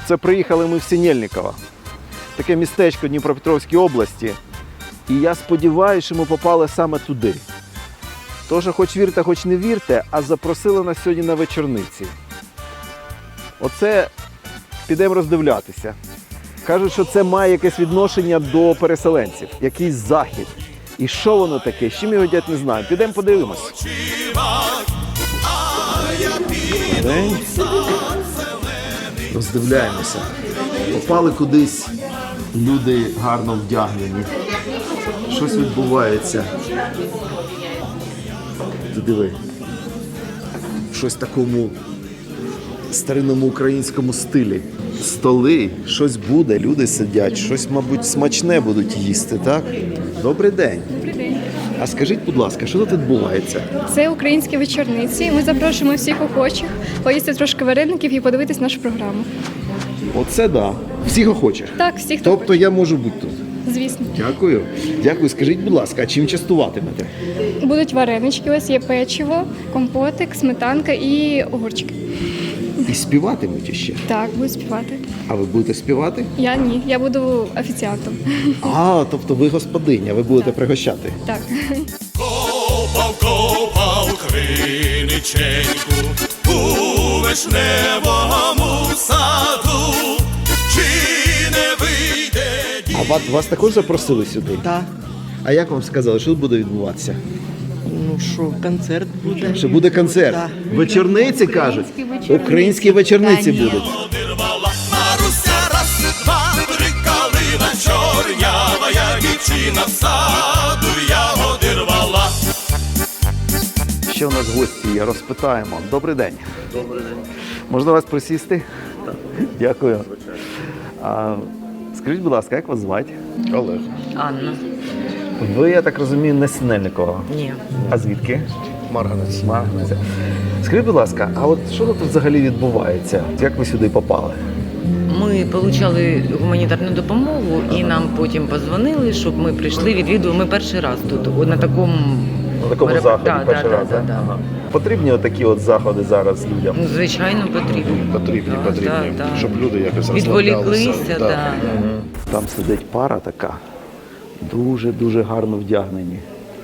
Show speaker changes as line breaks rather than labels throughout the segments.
Це приїхали ми в Синельниково, таке містечко в Дніпропетровській області. І я сподіваюся, що ми попали саме туди. Тож, хоч вірте, хоч не вірте, а запросили нас сьогодні на вечорниці. Оце підемо роздивлятися. Кажуть, що це має якесь відношення до переселенців, якийсь захід. І що воно таке, з чим його дядь не знаю. Підемо подивимось. День. Роздивляємося. Попали кудись люди гарно вдягнені. Щось відбувається. Ти диви. Щось в такому старинному українському стилі. Столи, щось буде, люди сидять, щось, мабуть, смачне будуть їсти, так? Добрий день.
Добрий день.
А скажіть, будь ласка, що тут відбувається?
Це українські вечорниці. Ми запрошуємо всіх охочих поїсти трошки вареників і подивитись нашу програму.
Оце да. Всіх охочих.
Так, всіх, хто
Тобто я можу бути тут.
хоче. Звісно.
Дякую. Дякую. Скажіть, будь ласка, а чим частуватимете?
Будуть варенички, ось є печиво, компотик, сметанка і огурчики.
І співатимуть іще.
Так, будуть співати.
А ви будете співати?
Я ні, я буду офіціантом.
А, тобто ви господиня, ви будете пригощати.
Так.
Копав криниченьку у вишневому саду, чи не вийде
А вас також запросили сюди?
Так.
А як вам сказали, що тут буде відбуватися?
Ну що, концерт буде.
Що буде концерт?
Так.
Вечорниці, кажуть? Українські вечорниці будуть.
одирвала Маруся, раз, два, три калина чорнява, я дівчина в саду, я одирвала.
Ще у нас гості є, розпитаємо. Добрий день. Добрий день. Можна вас присісти? Так. Дякую. Скажіть, будь ласка, як вас звати?
Олег.
Анна.
Ви, я так розумію, не з Синельникова.
Ні.
А звідки?
Марганець.
Марганець. Скажіть, будь ласка, а от що тут взагалі відбувається? Як ви сюди попали?
Ми отримали гуманітарну допомогу і нам потім подзвонили, щоб ми прийшли, відвідували. Ми перший раз тут, на такому...
На такому заході перший раз,
так?
да? Ага. Потрібні отакі от заходи зараз людям?
Ну, звичайно, потрібно.
Потрібні, щоб люди якось
відволіклися.
розслаблялися.
Да.
Там сидить пара така, дуже-дуже гарно вдягнені.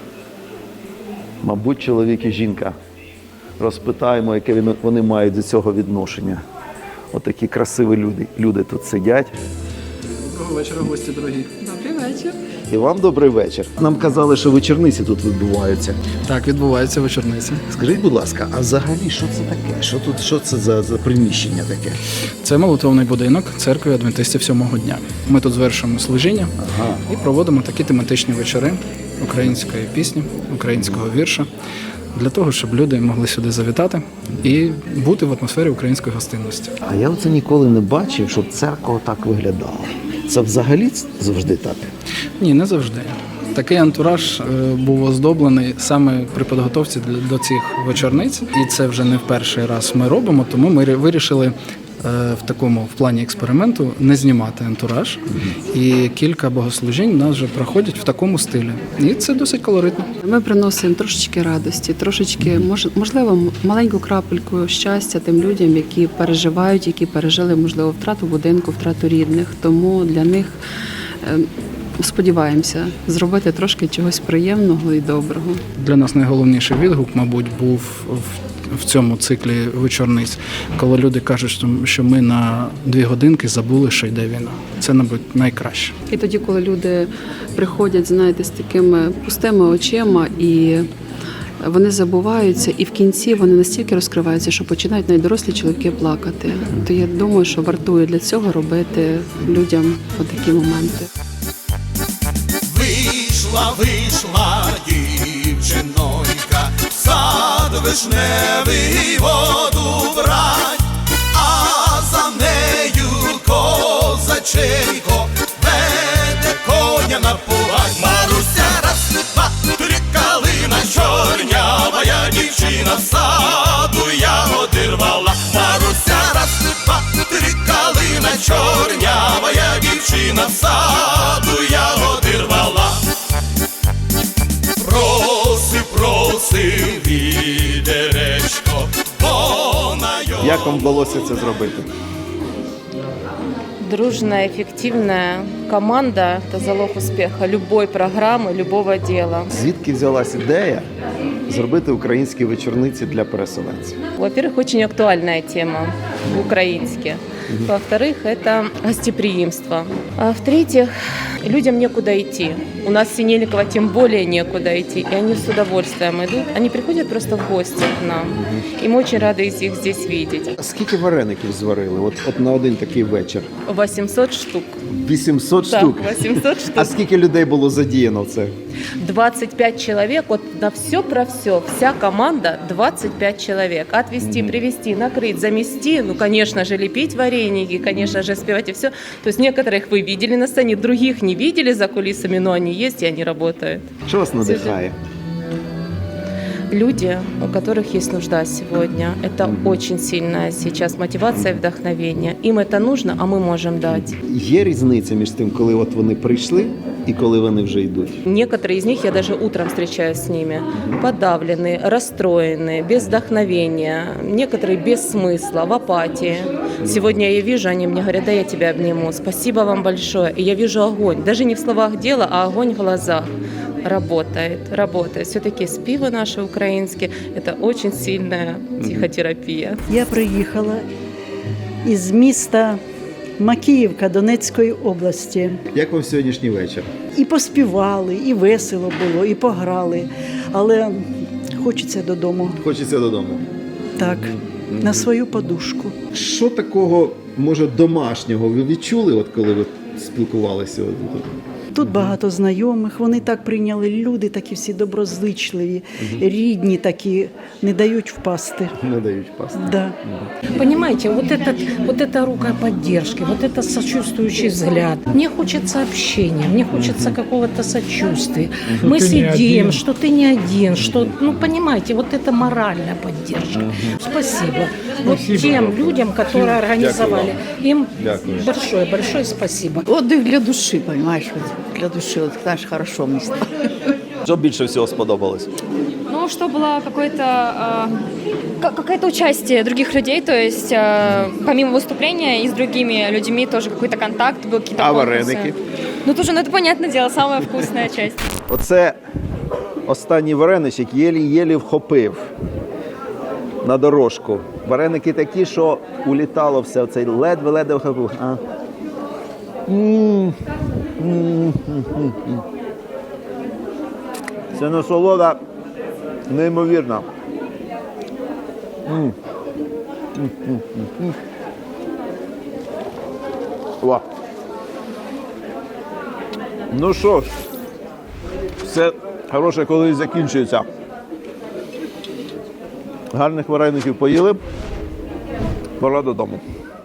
Мабуть, чоловік і жінка. Розпитаємо, яке вони мають до цього відношення. Отакі красиві люди тут сидять.
Доброго вечора, гості дорогі.
Добрий вечір.
І вам добрий вечір. Нам казали, що вечорниці тут відбуваються.
Так, відбувається вечорниця.
Скажіть, будь ласка, а взагалі що це таке? Що це за приміщення таке?
Це молитовний будинок церкви адвентистів 7-го дня. Ми тут звершуємо служіння і проводимо такі тематичні вечори української пісні, українського вірша, для того, щоб люди могли сюди завітати і бути в атмосфері української гостинності.
А я оце ніколи не бачив, щоб церква так виглядала. Це взагалі завжди так?
Ні, не завжди. Такий антураж був оздоблений саме при підготовці до цих вечорниць. І це вже не в перший раз ми робимо, тому ми вирішили в плані експерименту не знімати антураж. І кілька богослужінь у нас вже проходять в такому стилі. І це досить колоритно.
Ми приносимо трошечки радості, трошечки, можливо, маленьку крапельку щастя тим людям, які переживають, які пережили, можливо, втрату будинку, втрату рідних. Тому для них сподіваємося зробити трошки чогось приємного і доброго.
Для нас найголовніший відгук, мабуть, був в цьому циклі вечорниць, коли люди кажуть, що ми на 2 годинки забули, що йде війна. Це, мабуть, найкраще.
І тоді, коли люди приходять, знаєте, з такими пустими очима і вони забуваються, і в кінці вони настільки розкриваються, що починають навіть дорослі чоловіки плакати. То я думаю, що вартує для цього робити людям отакі моменти.
Вийшла дівчинонька, в сад вишневий воду брать, а за нею козаченько веде коня напувать. Маруся, раз, два, три калина чорнява, я дівчина в саду, я одирвала. Маруся, раз, два, три калина чорнява, я дівчина в саду, я одирвала. Просив відеречко, вона його...
Як вам вдалося це зробити?
дружная, эффективная команда – это залог успеха любой программы, любого дела.
Звідки взялась ідея зробити українські вечорниці для переселенців?
Во-первых, очень актуальная тема по-украински. Во-вторых, это гостеприимство. А в-третьих, людям некуда идти. У нас в Синельниково тем более некуда идти. И они с удовольствием идут. Они приходят просто в гости к нам. И мы очень рады их здесь видеть.
Скільки вареників зварили от на один такий вечір?
800 штук.
800
Так,
штук?
800 штук.
А скільки людей було задіяно в це?
25 человек, вот на все про все, вся команда 25 человек. Отвезти, привезти, накрыть, замести, ну, конечно же, лепить вареники, конечно же, спевать и все. То есть некоторых вы видели на сцене, других не видели за кулисами, но они есть и они работают.
Що вас надихає?
Люди, у которых есть нужда сегодня, это очень сильная сейчас мотивация и вдохновение. Им это нужно, а мы можем дать.
Є різниця між тим, коли от вони прийшли і коли вони вже йдуть?
Некоторые из них, я даже утром встречаюсь с ними, подавленные, расстроенные, без вдохновения, некоторые без смысла, в апатии. Сегодня я вижу, они мне говорят: да, я тебя обниму, спасибо вам большое. И я вижу огонь, даже не в словах дела, а огонь в глазах. Работает. Все-таки співы наши украинские – это очень сильная психотерапия.
Я приїхала із міста Макіївка Донецької області.
Як вам сьогоднішній вечір?
І поспівали, і весело було, і пограли. Але хочеться додому.
Хочеться додому.
Так, на свою подушку.
Що такого, може, домашнього ви відчули, от коли ви спілкувалися?
Тут багато знайомих, вони так прийняли, люди такі всі доброзичливі, рідні такі, не дають впасти.
Не дають впасти.
Да.
Понимаете, вот эта рука поддержки, вот это сочувствующий взгляд. Мне хочется общения, мне хочется какого-то сочувствия. Мы сидим, что ты не один, что, ну, понимаете, вот это моральная поддержка. Спасибо. Вот тем людям, которые организовали, им большое спасибо.
Отдых для души, понимаешь, вот, для души, вот, знаешь, хорошо мне стало.
Що більше всього сподобалось?
Ну, что было какое-то участие других людей, то есть помимо выступления и с другими людьми тоже какой-то контакт был, какие-то
А
конкурсы.
вареники?
Ну, тоже, ну, это понятное дело, самая вкусная часть.
Оце останній вареничок єлі-єлі вхопив на дорожку. Вареники такі, що улітало все, цей ледве-ледве вхопив. Це насолода неймовірна. Ва. Ну що ж, все хороше колись закінчується. Гарних вареників поїли, пора додому.